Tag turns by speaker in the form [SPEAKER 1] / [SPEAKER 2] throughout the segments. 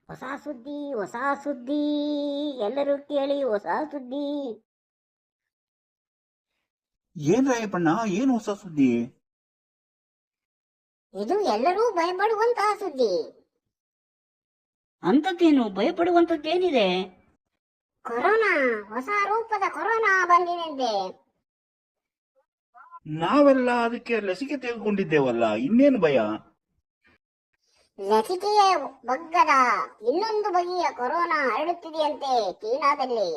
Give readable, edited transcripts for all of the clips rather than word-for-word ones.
[SPEAKER 1] ಹೊಸ ಸುದ್ದಿ ಹೊಸ ಸುದ್ದಿ, ಎಲ್ಲರೂ ಕೇಳಿ ಹೊಸ ಸುದ್ದಿ.
[SPEAKER 2] ಏನ್ ರಾಯಪ್ಪಣ್ಣ, ಏನ್ ಹೊಸ ಸುದ್ದಿ?
[SPEAKER 1] ಇದು ಎಲ್ಲರೂ ಭಯಪಡುವಂತಹ ಸುದ್ದಿ.
[SPEAKER 3] ಅಂತದ್ದೇನು ಭಯಪಡುವಂತದ್ದೇನಿದೆ?
[SPEAKER 1] ಕೊರೋನಾ, ಹೊಸ ರೂಪದ ಕೊರೋನಾ ಬಂದಿದೆ.
[SPEAKER 2] ನಾವೆಲ್ಲ ಅದಕ್ಕೆ ಲಸಿಕೆ ತೆಗೆದುಕೊಂಡಿದ್ದೇವಲ್ಲ, ಇನ್ನೇನು ಭಯ?
[SPEAKER 1] ಲಸಿಕೆಯ ಬಗ್ಗದ ಇನ್ನೊಂದು ಬಗೆಯ ಕೊರೋನಾ ಹರಡುತ್ತಿದೆಯಂತೆ ಚೀನಾದಲ್ಲಿ.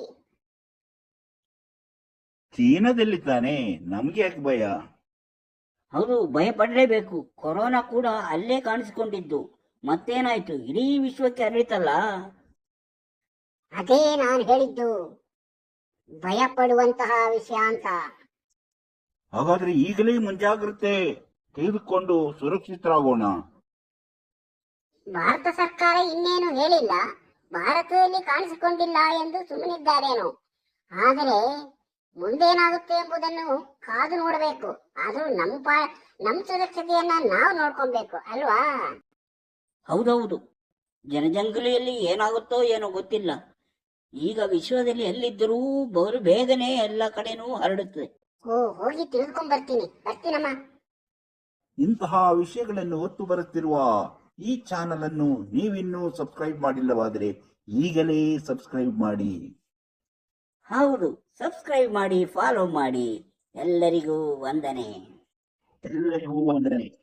[SPEAKER 2] ಚೀನಾದಲ್ಲಿ ತಾನೆ, ನಮ್ಗೆ ಯಾಕೆ ಭಯ?
[SPEAKER 3] ಹೌದು, ಭಯ ಪಡಲೇಬೇಕು. ಕೊರೋನಾ ಕೂಡ ಅಲ್ಲೇ ಕಾಣಿಸಿಕೊಂಡಿದ್ದು. ಮತ್ತೇನಾಯ್ತು, ಇಡೀ ವಿಶ್ವಕ್ಕೆ ಹರಡಿತಲ್ಲ.
[SPEAKER 1] ಅದೇ ನಾನು ಹೇಳಿದ್ದು, ಭಯ ಪಡುವಂತಹ ವಿಷಯ ಅಂತ.
[SPEAKER 2] ಹಾಗಾದ್ರೆ ಈಗಲೇ ಮುಂಜಾಗ್ರತೆ ತೆಗೆದುಕೊಂಡು ಸುರಕ್ಷಿತರಾಗೋಣ.
[SPEAKER 1] ಭಾರತ ಸರ್ಕಾರ ಇನ್ನೇನು ಹೇಳಿಲ್ಲ, ಭಾರತದಲ್ಲಿ ಕಾಣಿಸಿಕೊಂಡಿಲ್ಲ ಎಂದು ಸುಮ್ಮನಿದ್ದಾರೇನೋ. ಆದರೆ ಮುಂದೇನಾಗುತ್ತೆ ಎಂಬುದನ್ನು ಕಾದು ನೋಡಬೇಕು. ಆದ್ರೂ ನಮ್ಮ ಸುರಕ್ಷತೆಯನ್ನ ನಾವು ನೋಡ್ಕೊಬೇಕು ಅಲ್ವಾ?
[SPEAKER 3] ಹೌದೌದು, ಜನಜಂಗುಲಿಯಲ್ಲಿ ಏನಾಗುತ್ತೋ ಏನೋ ಗೊತ್ತಿಲ್ಲ. ಈಗ ವಿಶ್ವದಲ್ಲಿ ಎಲ್ಲಿದ್ದರೂ ಬಹು ಬೇಗನೆ ಎಲ್ಲ ಕಡೆನೂ ಹರಡುತ್ತದೆ.
[SPEAKER 1] ಹೋಗಿ ಬರ್ತೀನಮ್ಮ.
[SPEAKER 2] ಇಂತಹ ವಿಷಯಗಳನ್ನು ಹೊತ್ತು ಬರುತ್ತಿರುವ ಈ ಚಾನಲ್ ಅನ್ನು ನೀವಿನ್ನೂ ಸಬ್ಸ್ಕ್ರೈಬ್ ಮಾಡಿಲ್ಲವಾದರೆ ಈಗಲೇ ಸಬ್ಸ್ಕ್ರೈಬ್ ಮಾಡಿ.
[SPEAKER 3] ಹೌದು, ಸಬ್ಸ್ಕ್ರೈಬ್ ಮಾಡಿ, ಫಾಲೋ ಮಾಡಿ. ಎಲ್ಲರಿಗೂ ವಂದನೆ.
[SPEAKER 2] ಎಲ್ಲರಿಗೂ ವಂದನೆ.